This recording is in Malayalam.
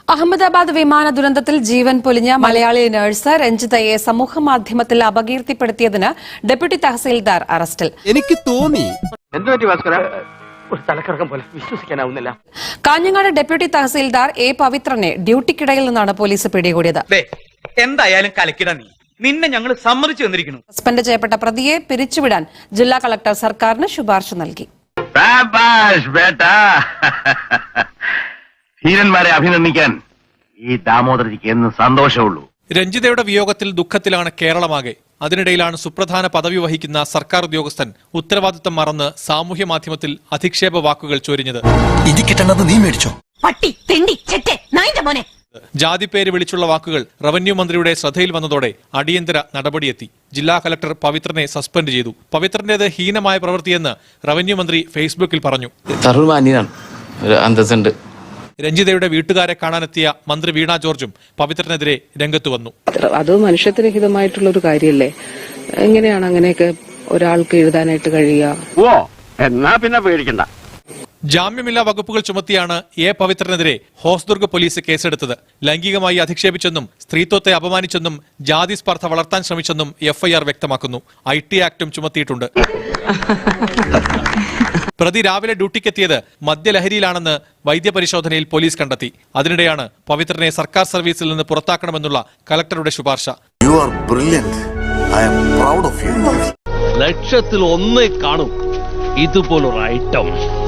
അഹമ്മദാബാദ് വിമാന ദുരന്തത്തിൽ ജീവൻ പൊലിഞ്ഞ മലയാളി നഴ്സ് രഞ്ജിതയെ സമൂഹമാധ്യമത്തിൽ അപകീർത്തിപ്പെടുത്തിയതിന് ഡെപ്യൂട്ടി തഹസീൽദാർ അറസ്റ്റിൽ. എനിക്ക് തോന്നി വിശ്വസിക്കാനാവുന്നില്ല. കാഞ്ഞങ്ങാട് ഡെപ്യൂട്ടി തഹസീൽദാർ എ പവിത്രനെ ഡ്യൂട്ടിക്കിടയിൽ നിന്നാണ് പോലീസ് പിടികൂടിയത്. എന്തായാലും കലക്കിട നിന്നെ ഞങ്ങൾ സമ്മതിച്ചു തന്നിരിക്കുന്നു. സസ്പെൻഡ് ചെയ്യപ്പെട്ട പ്രതിയെ പിരിച്ചുവിടാൻ ജില്ലാ കളക്ടർ സർക്കാരിന് ശുപാർശ നൽകി. ധീരന്മാരെ അഭിനന്ദിക്കാൻ ഈ ദാമോദരജിക്ക് എന്ന് സന്തോഷമുള്ളൂ. രഞ്ജിതയുടെ വിയോഗത്തിൽ ദുഃഖത്തിലാണ് കേരളമാകെ. അതിനിടയിലാണ് സുപ്രധാന പദവി വഹിക്കുന്ന സർക്കാർ ഉദ്യോഗസ്ഥൻ ഉത്തരവാദിത്തം മറന്ന് സാമൂഹ്യ മാധ്യമത്തിൽ അധിക്ഷേപ വാക്കുകൾ ചൊരിഞ്ഞത്. ജാതിപ്പേര് വിളിച്ചുള്ള വാക്കുകൾ റവന്യൂ മന്ത്രിയുടെ ശ്രദ്ധയിൽ വന്നതോടെ അടിയന്തര നടപടിയെത്തി. ജില്ലാ കലക്ടർ പവിത്രനെ സസ്പെൻഡ് ചെയ്തു. പവിത്രന്റേത് ഹീനമായ പ്രവൃത്തിയെന്ന് റവന്യൂ മന്ത്രി ഫേസ്ബുക്കിൽ പറഞ്ഞു. രഞ്ജിതയുടെ വീട്ടുകാരെ കാണാനെത്തിയ മന്ത്രി വീണ ജോർജും പവിത്രനെതിരെ രംഗത്ത് വന്നു. അത് മനുഷ്യത്വരഹിതമായിട്ടുള്ള ഒരു കാര്യമല്ലേ? എങ്ങനെയാണ് അങ്ങനെയൊക്കെ ഒരാൾക്ക് എഴുതാനായിട്ട് കഴിയുക? എന്നാ പിന്നെ പേടിക്കണ്ട. ജാമ്യമില്ലാ വകുപ്പുകൾ ചുമത്തിയാണ് എ പവിത്രനെതിരെ ഹോസ്ദുർഗ് പോലീസ് കേസെടുത്തത്. ലൈംഗികമായി അധിക്ഷേപിച്ചെന്നും സ്ത്രീത്വത്തെ അപമാനിച്ചെന്നും ജാതി സ്പർദ്ധ വളർത്താൻ ശ്രമിച്ചെന്നും എഫ്ഐആർ വ്യക്തമാക്കുന്നു. IT ആക്ടും ചുമത്തിയിട്ടുണ്ട്. പ്രതി രാവിലെ ഡ്യൂട്ടിക്കെത്തിയത് മദ്യലഹരിയിലാണെന്ന് വൈദ്യപരിശോധനയിൽ പോലീസ് കണ്ടെത്തി. അതിനിടെയാണ് പവിത്രനെ സർക്കാർ സർവീസിൽ നിന്ന് പുറത്താക്കണമെന്നുള്ള കലക്ടറുടെ ശുപാർശ. ലക്ഷത്തിൽ ഒന്നേ കാണും ഇതുപോലൊരു ഐറ്റം.